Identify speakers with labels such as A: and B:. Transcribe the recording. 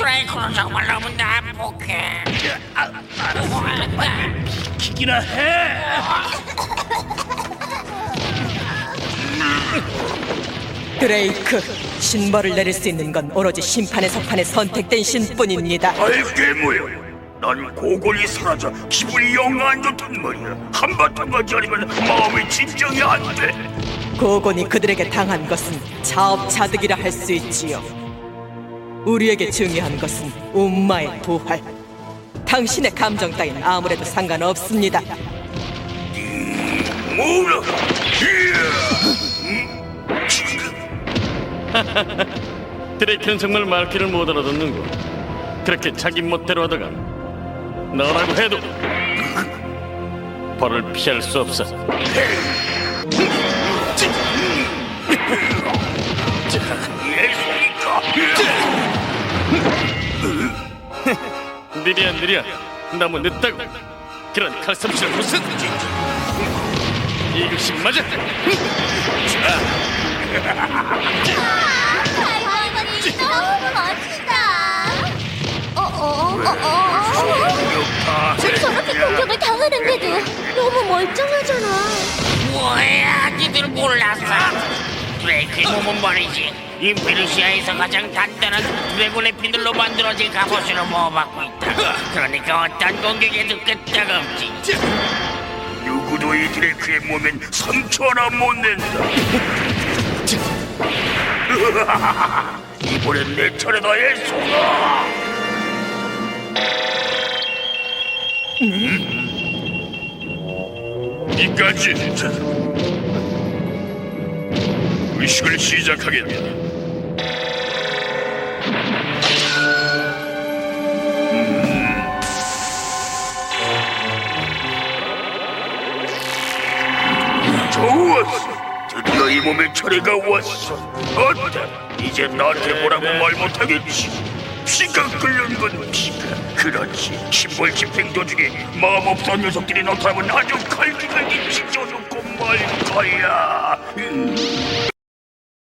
A: 드레이크는 정말 너무 난폭해.
B: 기기나 해.
C: 드레이크, 신벌을 내릴 수 있는 건 오로지 심판의 석판에 선택된 신뿐입니다.
B: 알게 뭐야. 난 고골이 사라져 기분이 영 안 좋단 말이야. 한바탕 가지 않으면 마음이 진정이 안 돼.
C: 고곤이 그들에게 당한 것은 자업자득이라 할 수 있지요. 우리에게 중요한 것은 um마의 부활. 당신의 감정 따윈 아무래도 상관없습니다.
B: 뭐라?
D: 드레이크는 정말 말귀를 못 알아듣는군. 그렇게 자기 멋대로 하다가 너라고 해도 벌을 피할 수 없어. 느려 너무 늦다고. 그런 칼솜씨를 무슨 이것이 맞아.
E: 할머니 너무 멋지다. 저렇게 공격을 당하는데도 너무 멀쩡하잖아.
A: 뭐야, 니들 몰랐어? 드레이크의 몸은 말이지, 인피니시아에서 가장 단단한 드래곤의 피들로 만들어진 갑옷으로 보호받고 있다. 그러니까 어떤 공격에도 끄떡없지.
B: 누구도 이 드레이크의 몸엔 상처 하나 못 낸다. 이번엔 내 차례다, 애송아. 이까지 의식을 시작하겠다. 좋았어. 드디어 이 몸의 차례가 왔어. 어때? 이제 나한테 뭐라고 말 못하겠지. 피가 끓는 건 피가. 그렇지. 심벌 집행 도중에 마음 없던 녀석들이 나타나면 아주 갈기갈기 찢어놓고 말 거야.